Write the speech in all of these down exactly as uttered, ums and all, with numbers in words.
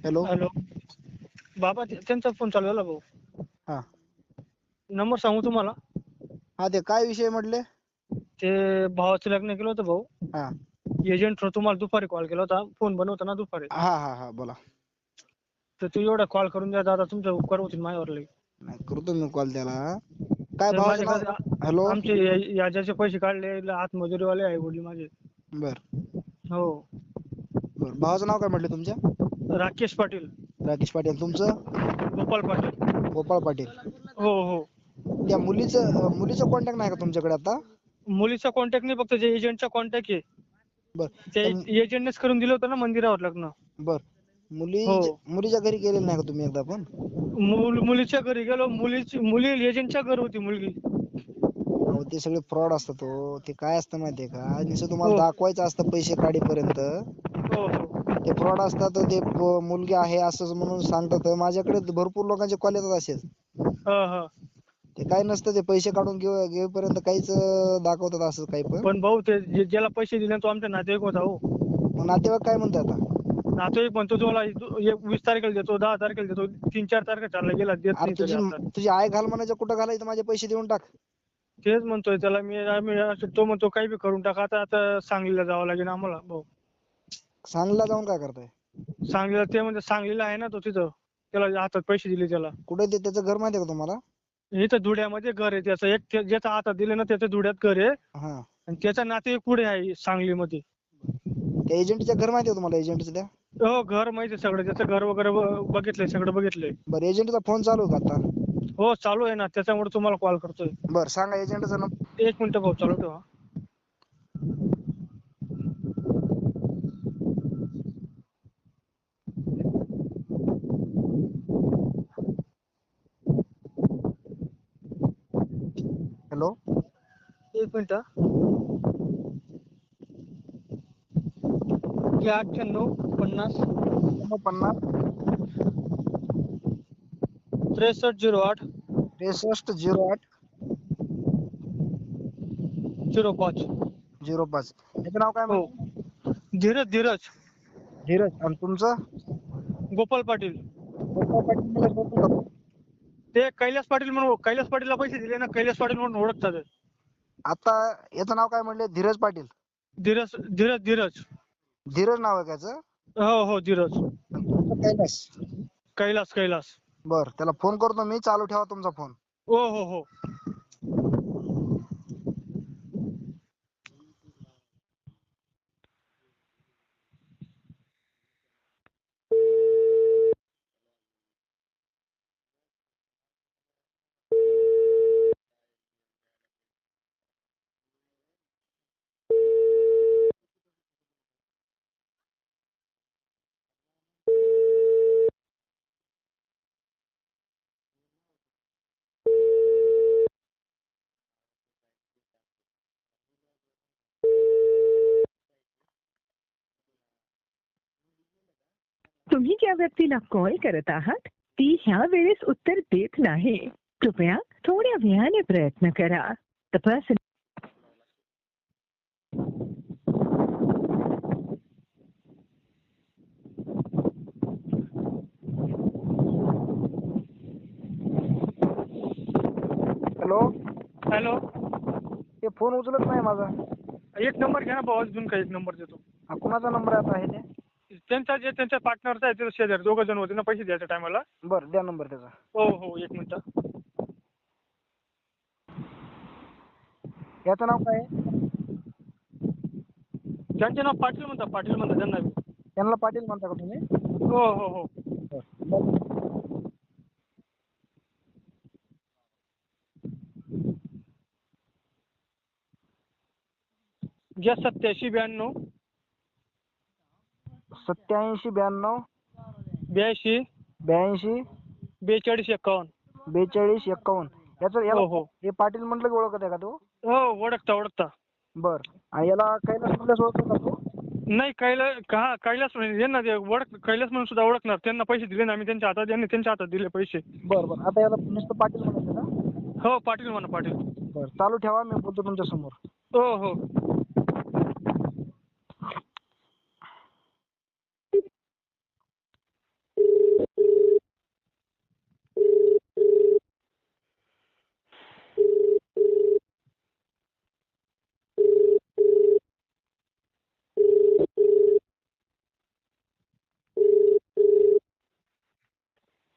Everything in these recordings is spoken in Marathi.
हॅलो. हॅलो बाबा ते- त्यांचा फोन चालू झाला भाऊ. हा नंबर सांगू तुम्हाला? हा ते काय विषय म्हटले? ते भावाचं लग्न केलं होतं भाऊ. हा एजंट थ्रू तुम्हाला दुपारी कॉल केला होता. फोन बंद होता ना दुपारी. हा हा हा बोला. तर तू एवढा कॉल करून द्या दादा, तुमचा उपकार होतील माझ्यावर लई. नाही करतो मी कॉल त्याला. काय ते भावाचं माझे नाव? कसं हॅलो. आमचे या- याच्याचे पैसे काढले हात मजुरीवाले आहे वडील माझे. बर हो बर भावाचं नाव काय म्हटलं तुमच्या? राकेश पाटील. राकेश पाटील. तुमचं? गोपाळ पाटील. गोपाळ पाटील. हो हो त्या मुलीचं मुलीचं कॉन्टॅक्ट नाही का तुमच्याकडे आता? मुलीचा कॉन्टॅक्ट नाही, फक्त जे एजंटचा कॉन्टॅक्ट आहे. बर ते त्या मु- एजंटनेच करून दिलं होतं ना मंदिरावर लग्न. बर मुली हो मुलीच्या घरी गेलेले नाही का तुम्ही एकदा पण? मुल मुलीच्या घरी गेलो. मुलीची मुली एजंटच्या घरी होती मुलगी. अहो ते सगळे फ्रॉड असतात हो. ते काय असतं माहितीये का, नुसतं तुम्हाला हो दाखवायचं असतं पैसे काढीपर्यंत. हो हो ते फ्रॉड असतात. ते प- मुलगी आहे असंच म्हणून सांगतात. माझ्याकडे भरपूर लोकांचे कॉल येतात असेच. हा हा ते काय नसतं, ते पैसे काढून घेऊ घेईपर्यंत काहीच अं, दाखवतात असं काही पण. पण भाऊ ते जे- ज्याला पैसे दिले तो आमच्या नातेवाईक होता हो. मग नातेवाईक काय म्हणतात आता? नातेवाईक म्हणतो तुम्हाला एक वीस तारखेला देतो, दहा तारखेला देतो, तीन चार तारखेला चालला गेला, देत अरे नाही तरी तुझी आता. तुझी आई घाल म्हणायचं, कुठं घालायचं, माझे पैसे देऊन टाक. तेच म्हणतोय त्याला मी. आम्ही असं- तो म्हणतो काही बी करून टाका. आता आता सांगलीला जावं लागेल आम्हाला भाऊ. सांगलीला जाऊन काय करताय? सांगलीला ते म्हणजे सांगलीला आहे ना तो तिथं. त्याला हातात पैसे दिले त्याला. कुठे ते त्याचं घर माहिती आहे का तुम्हाला? इथं धुळ्यामध्ये घर आहे त्याचं. एक ते- ज्याच्या हातात दिले ना त्याच्या धुळ्यात घर आहे. हा आणि त्याचा नातेवाईक पुढे आहे सांगलीमध्ये. त्या एजंटचं घर माहिती आहे तुम्हाला? एजंटचं त्या हो घर माहिती आहे सगळं. त्याचं घर वगैरे ब- बघितलंय, सगळं बघितलंय. बरं एजंटचा फोन चालू आहे का आता? हो चालू आहे ना, त्याच्यामुळे तुम्हाला कॉल करतोय. बरं सांगा एजंटचा नंबर. एक मिनिट भाऊ चालू ठेवा. हॅलो. एक मिनिट हा. घ्या अठ्ठ्याण्णव पन्नास पन्नास त्रेसष्ट झिरो आठ त्रेसष्ट झिरो आठ झिरो पाच. झिरो पाच. याचं नाव काय हो म्हटलं? धीरज धीरज धीरज. आणि तुमचं? गोपाळ पाटील. गोपाळ पाटील मला शोधून काढतो. ते कैलास पाटील म्हणून, कैलास पाटीलला पैसे दिले ना, कैलास पाटील म्हणून ओळखतात. आता याचं नाव काय म्हणले? धीरज पाटील. धीरज धीरज धीरज धीरज नाव आहे त्याचं. हो हो धीरज. आणि तुमचं कैलास. कैलास कैलास. बर त्याला फोन करतो मी. चालू ठेवा तुमचा फोन. हो हो हो. तुम्ही ज्या व्यक्तीला कॉल करत आहात ती ह्या वेळेस उत्तर देत नाही. कृपया थोड्या वेळाने प्रयत्न करा. The person hello. हॅलो. ते फोन उचलत नाही माझा. एक नंबर घ्या ना भाऊ, अजून काही एक नंबर देतो. हा कुणाचा नंबर आता आहे ते? त्यांचा जे त्यांच्या पार्टनरचा आहे, ते शेजारी दोघं जण होते ना पैसे द्यायच्या टायमाला. बरं द्या नंबर त्याचा. हो हो एक मिनिट. याचं नाव काय आहे? त्यांचे नाव पाटील म्हणतात, पाटील म्हणतात त्यांना. त्यांना पाटील म्हणता का तुम्ही? हो हो हो. बरं. घ्या सत्याऐंशी ब्याण्णव सत्याऐंशी ब्याण्णव ब्याऐंशी ब्याऐंशी बेचाळीस एक्कावन्न. बेचाळीस एक्कावन्न. याचं याला हो हो हे पाटील म्हटलं की ओळखत आहे का तो? हो ओळखता ओळखता. बर. आणि याला कैलास म्हटलं ओळखतो का तो? नाही कैलास का कैलास म्हणजे यांना ते ओळख, कैलास म्हणून सुद्धा ओळखणार. त्यांना पैसे दिले ना आम्ही त्यांच्या हातात, त्यांनी त्यांच्या हातात दिले पैसे. बरं बरं. आता याला नुसतं पाटील म्हणायचं का? हो पाटील म्हणा पाटील. बरं चालू ठेवा, मी बोलतो तुमच्या समोर. हो हो.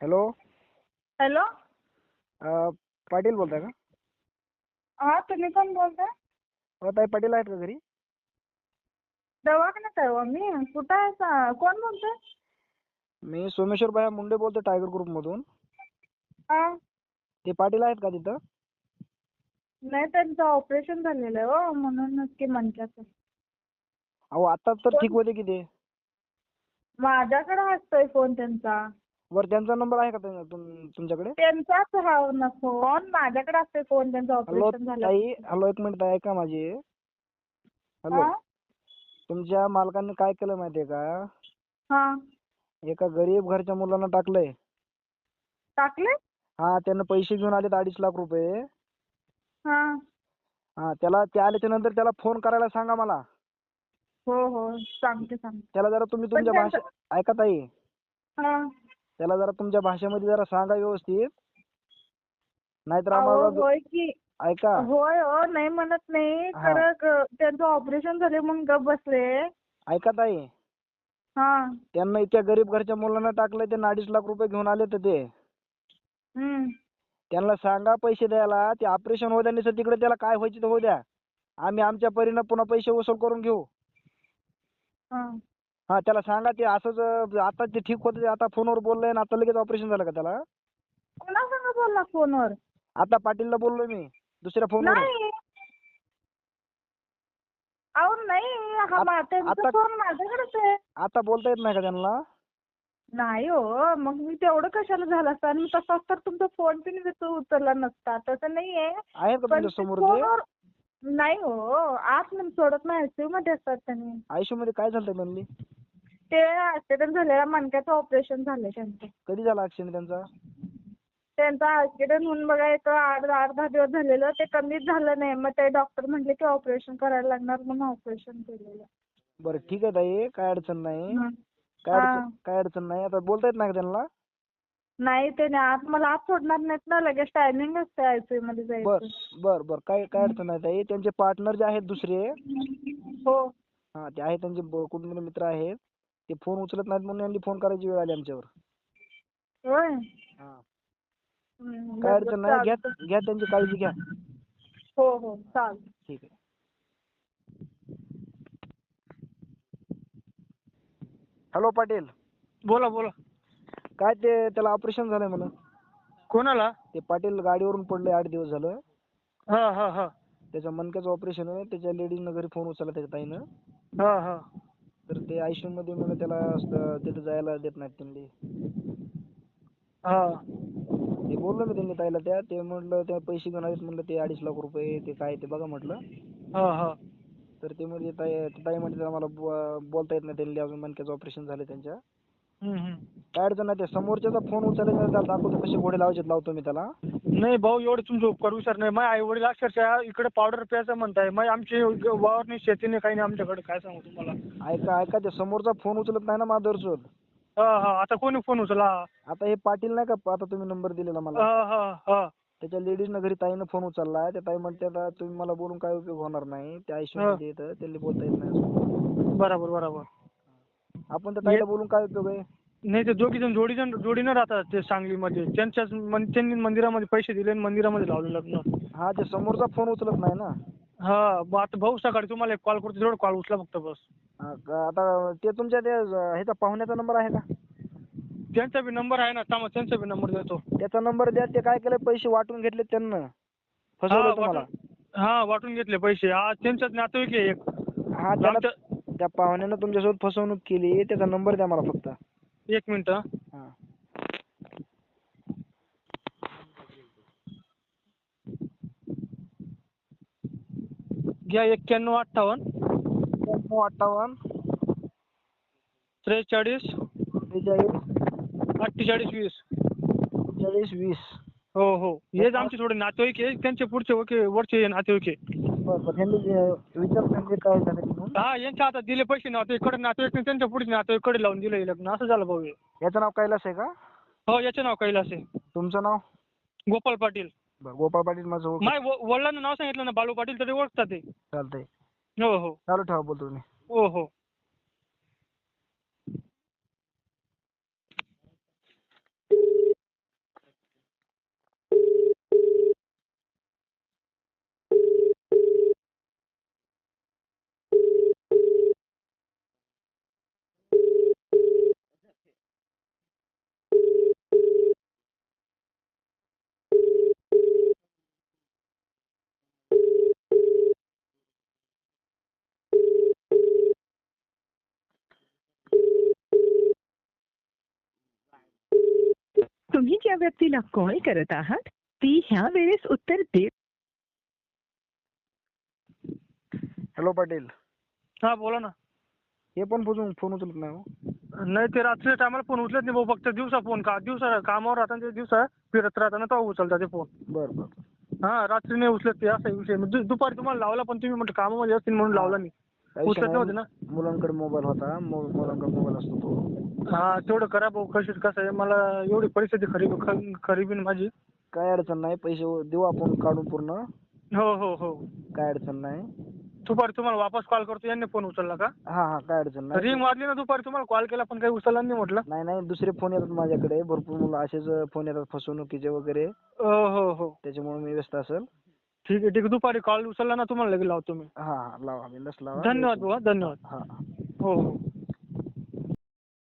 हॅलो. हॅलो. अं, पाटील बोलताय का? हा तुम्ही कोण बोलताय? हो ताई, पाटील आहेत का घरी? दवाखान्यात आहे हो मी. कुठं आहे सा- कोण बोलतोय? मी सोमेश्वर भाया मुंडे बोलतो टायगर ग्रुप मधून. हा. ते पाटील आहेत का तिथं? नाही त्यांचं ऑपरेशन झालेलं आहे हो, म्हणूनच की मणक्याचं. अहो आता तर ठीक होते की ते. माझ्याकडे असतोय फोन त्यांचा. वर त्यांचा नंबर आहे का तुम- तुम- तुमच्याकडे? त्यांचाच हा ना फोन. माझ्याकडे असतोय फोन त्यांचं हॅलो ऑपरेशन झालं. ताई, हॅलो एक मिनिट ताई, ऐका माझी. हॅलो. हा. तुमच्या मालकांनी काय केलं माहितीये का? हा. एका गरीब घरच्या मुलांना टाकलंय. टाकले? हा, त्यानं पैसे घेऊन आलेत अडीच लाख रुपये. हा. हा, त्याला ते आल्याच्या नंतर त्याला फोन करायला सांगा मला. हो हो सांगते सांगते. त्याला जरा तुम्ही पण तुमच्या त्यांचं- भाषा ऐका ताई, हा. त्याला जरा तुमच्या भाषेमध्ये जरा सांगा व्यवस्थित. नाहीतर अहो आम्हाला दु- होय की. ऐका. होय हो, नाही म्हणत नाही. हा. खरं ग- त्यांचं ऑपरेशन झाले म्हणून गप बसले. ऐका ताई, हा. त्यांना इतक्या गरीब घरच्या मुलांना टाकलंय, त्यांना अडीच लाख रुपये घेऊन आले तर ते. हम्म. त्यांना सांगा पैसे द्यायला. ते ऑपरेशन होऊ द्या, नाही तिकडे त्याला काय व्हायचं ते होऊ द्या. आम्ही आमच्या परीनं पुन्हा पैसे वसूल करून घेऊ. हा. हा, त्याला सांगा ते असंच अं, आता ते ठीक होतं, आता फोनवर बोललंय आणि आता लगेच ऑपरेशन झालं का त्याला? कोणासंग बोलला फोनवर? आता पाटीलला बोललोय मी दुसऱ्या फोनवर. नाही. अहो नाही, हा आत- मा- त्यांचा आता- फोन माझ्याकडेच आहे. आता बोलता येत नाही का त्यांना? नाही हो, मग मी तेवढं कशाला झालं असतं. आणि तसाच तर तुमचा फोन पण मी तो उचलला नसता. तसं नाहीये. आहेत का पण तुमच्या ते समोर ते? फोनवर नाही हो, आत मध्ये सोडत नाही, आयसीयू मध्ये असतात त्यांनी. आयसीयू मध्ये काय झालं त्यांनी? ते ऍक्सिडेंट झालेला, मणक्याचं ऑपरेशन झालंय त्यांचं. कधी झाला ऍक्सिडेंट त्यांचा? त्यांचा ऍक्सिडेंट होऊन बघा एक आठ आठ दहा दिवस झालेलं. ते कमीच झालं नाही. मग ते डॉक्टर म्हणले की ऑपरेशन करायला लागणार, म्हणून ऑपरेशन केलेलं. बरं ठीक आहे ताई, काय अडचण नाही. हं. काय हा. अडचण काय अडचण नाही. आता बोलता येत नाही का त्यांना? नाही ते नाही, आत मला आत सोडणार नाहीत ना, लगेच टायमिंग असते आयसीयू मध्ये बर जायचं. बर बर काय काय अडचण नाही ताई. त्यांचे पार्टनर जे आहेत दुसरे, हो. हा ते आहेत त्यांचे ब- कुटुंबीय मित्र आहेत. ते फोन उचलत नाहीत म्हणून यांनी फोन करायची वेळ आली आमच्यावर. होय. हा, हं, काय बरं, अडचण बरं, नाही. घ्या चालतं. घ्या त्यांची काळजी घ्या. हो हो चालतं. ठीक आहे. हॅलो पाटील, बोला बोला. काय ते त्याला ऑपरेशन झालंय म्हणून? कोणाला? ते पाटील गाडीवरून पडले आठ दिवस झालं. हा हा हा. त्याचं मणक्याचं ऑपरेशन आहे. त्याच्या लेडीजनं घरी फोन उचलला त्याच्या ताईनं. हा हा. तर ते आयसीयू मध्ये म्हणून त्याला असं तिथं जायला देत नाहीत त्यांनी. हा. ते बोललो मी त्यांनी ताईला त्या. ते म्हटलं त्या पैसे घेऊन आलेत म्हणलं ते अडीच लाख रुपये ते काय ते बघा म्हटलं. हा हा. तर ते म्हणजे ताई ताई म्हणते आम्हाला बो- बोलता येत नाही त्यांनी, अजून मणक्याचं ऑपरेशन झालं त्यांच्या. हम्म, हम्म. काय अडचण नाही. ते समोरच्याचा फोन उचलायचा त्याला दाखवतो कसे घोडे लावायचे लावतो मी त्याला. नाही भाऊ, एवढे तुमचे उपकार विचार नाही. माझे आई वडील अक्षरशः इकडे पावडर प्यायचं म्हणताय. मग आमची वावर नाही, शेती नाही, काही नाही आमच्याकडे. काय सांगू तुम्हाला? ऐका ऐका ते समोरचा फोन उचलत नाही ना माधुरसोद. हा हा. आता कोणी फोन उचला? आता हे पाटील नाही का, आता तुम्ही नंबर दिलेला मला, हा हा हा. त्याच्या लेडीजनं घरी ताईनं फोन उचललाय. त्या ताई म्हणतात तुम्ही मला बोलून काय उपयोग होणार नाही. त्या आयसीयू मध्ये येतं, त्यांनी बोलता येत नाही अजून. बरोबर बरोबर. आपण त्या ताईला बोलून काय उपयोग आहे? नाही, ते दोघी जण जोडी जण जोडीनं राहतात ते सांगलीमध्ये. त्यांच्याच मन- त्यांनी मंदिरामध्ये पैसे दिले आणि मंदिरामध्ये लावलं लग्न. हा, ते समोरचा फोन उचलत नाही ना. हा. मग आता भाऊ सकाळी तुम्हाला एक कॉल करतो, तेवढं कॉल उचला फक्त बस. हा का- आता ते तुमच्या ते ह्याचा पाहुण्याचा नंबर आहे का? त्यांचा बी नंबर आहे ना, थांबा त्यांचा बी नंबर देतो. त्याचा नंबर द्या. ते काय केलं, पैसे वाटून घेतले त्यांना, हा फसवलं तुम्हाला. वाटून हा वाटून घेतले पैसे. हा त्यांच्याच नातेवाईक आहे एक. हा, त्याला आमच्या त्या पाहुण्यानं तुमच्यासोबत फसवणूक केली. त्याचा नंबर द्या मला फक्त. एक मिनिट हा. हा. घ्या एक्क्याण्णव अठ्ठावन्न एक्क्याण्णव अठ्ठावन्न त्रेचाळीस बेचाळीस अठ्ठेचाळीस वीस. चाळीस वीस. हो हो. हेच आमचे थोडे नातेवाईक आहे. त्यांचे पुढचे ओके वरचे नातेवाईक आहे. बरं बरं. त्यांनी विचारून त्यांनी काय झालं म्हणून. हा, यांच्या हातात दिले पैसे नातेवाईकडे, नातेवाईक नाही, त्यांच्या पुढचे नातेवाईकडे लावून दिलं हे लग्न. असं झालं भाऊ हे. याचं नाव कैलास आहे का? हो, याचे नाव कैलास आहे. तुमचं नाव? गोपाल पाटील. बरं, गोपाळ पाटील माझं ओळख. माय व- वडिलांना नाव सांगितलं ना, बालू पाटील, तरी ओळखतात ते. चालतंय. हो हो. चालू ठेवा, बोलतो तुम्ही. हो हो. ज्या व्यक्तीला कॉल करत आहात ती ह्या वेळेस उत्तर देत हॅलो पाटील. हा बोला ना. हे पण फोन फोन उचलत नाही हो. नाही ते रात्रीच्या टायमाला फोन उचलत नाही भाऊ, फक्त दिवसा फोन का दिवसा कामावर राहताना ते दिवसा फिरत राहताना तेव्हा उचलता ते फोन. बरं बरं. हा रात्री नाही उचलत ते, असा विषय. मग दु- दुपारी तुम्हाला लावला पण तुम्ही म्हटलं कामामध्ये असतील म्हणून लावला नाही. काही उचलत विषय नव्हते नाही. ना. मुलांकडे मोबाईल होता, मु- मुलांकडे मोबाईल असतो तो. हा तेवढं करा भाऊ. कशी कसं आहे, मला एवढी परिस्थिती खरी ख- खरी बी नाही माझी. काय अडचण नाही, पैसे देऊ आपण काढून पूर्ण. हो हो हो. काय अडचण नाही. दुपारी तुम्हाला वापस कॉल करतो. यांनी फोन उचलला का? हा हा काय अडचण नाही. रिंग वाजली ना दुपारी, तुम्हाला कॉल केला पण काही उचलला नाही म्हटलं. नाही नाही दुसरे फोन येतात माझ्याकडे भरपूर, मुलं असेच फोन येतात फसवणुकीचे वगैरे, हो हो हो. त्याच्यामुळे मी व्यस्त असेल. ठीक आहे ठीक आहे. दुपारी कॉल उचलला ना तुम्हाला लगेच लावतो मी. हा हा लावा, बिनधास्त लावा. धन्यवाद भाऊ. हा, धन्यवाद. हा. हो हो.